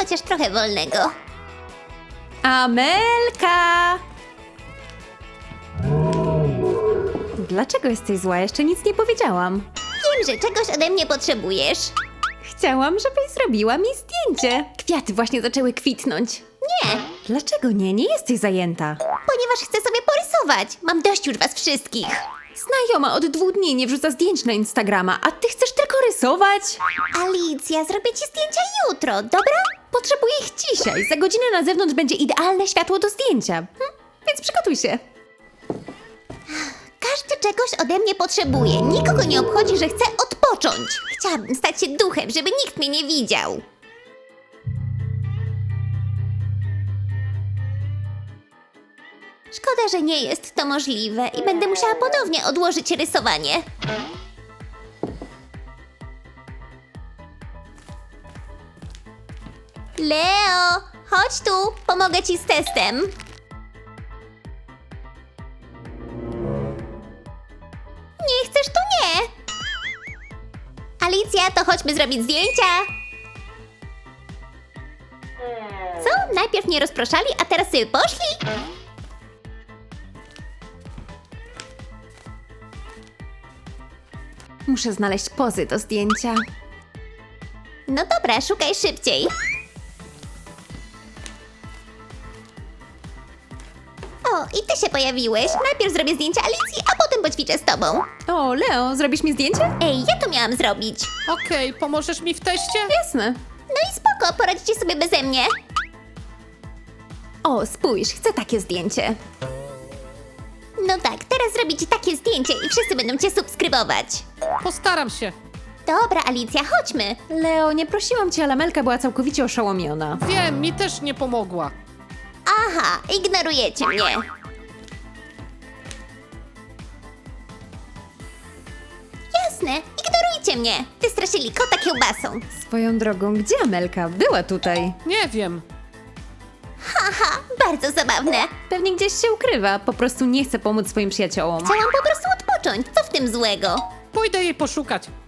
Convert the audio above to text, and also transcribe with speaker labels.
Speaker 1: chociaż trochę wolnego.
Speaker 2: Amelka! Dlaczego jesteś zła? Jeszcze nic nie powiedziałam.
Speaker 1: Wiem, że czegoś ode mnie potrzebujesz.
Speaker 2: Chciałam, żebyś zrobiła mi zdjęcie. Kwiaty właśnie zaczęły kwitnąć.
Speaker 1: Nie,
Speaker 2: Dlaczego nie? Nie jesteś zajęta.
Speaker 1: ponieważ chcę sobie porysować. Mam dość już was wszystkich.
Speaker 2: Znajoma od 2 dni nie wrzuca zdjęć na Instagrama, a ty chcesz tylko rysować?
Speaker 1: Alicja, zrobię ci zdjęcia jutro, dobra?
Speaker 2: Potrzebuję ich dzisiaj. Za godzinę na zewnątrz będzie idealne światło do zdjęcia. Więc przygotuj się.
Speaker 1: Każdy czegoś ode mnie potrzebuje. Nikogo nie obchodzi, że chcę odpocząć. Chciałabym stać się duchem, żeby nikt mnie nie widział. Szkoda, że nie jest to możliwe i będę musiała ponownie odłożyć rysowanie. Leo, chodź tu, pomogę ci z testem. Nie chcesz, to nie. Alicja, to chodźmy zrobić zdjęcia. Co? Najpierw mnie rozproszali, a teraz sobie poszli?
Speaker 2: Muszę znaleźć pozy do zdjęcia.
Speaker 1: No dobra, szukaj szybciej. O, i ty się pojawiłeś. Najpierw zrobię zdjęcie Alicji, a potem poćwiczę z tobą.
Speaker 2: O, Leo, zrobisz mi zdjęcie?
Speaker 1: Ej, ja to miałam zrobić.
Speaker 3: Okej, pomożesz mi w teście?
Speaker 2: Jasne.
Speaker 1: No i spoko, poradzicie sobie beze mnie.
Speaker 2: O, spójrz, chcę takie zdjęcie.
Speaker 1: No tak, teraz zrobię ci takie zdjęcie i wszyscy będą cię subskrybować.
Speaker 3: Postaram się.
Speaker 1: Dobra, Alicja, chodźmy.
Speaker 2: Leo, nie prosiłam cię, ale Amelka była całkowicie oszołomiona.
Speaker 3: Wiem, mi też nie pomogła.
Speaker 1: Aha, ignorujecie mnie. Jasne, ignorujcie mnie. Wystraszyli kota kiełbasą.
Speaker 2: Swoją drogą, gdzie Amelka? Była tutaj.
Speaker 3: Nie wiem.
Speaker 1: Haha, bardzo zabawne.
Speaker 2: Pewnie gdzieś się ukrywa, po prostu nie chce pomóc swoim przyjaciołom.
Speaker 1: Chciałam po prostu odpocząć. Co w tym złego?
Speaker 3: Pójdę jej poszukać.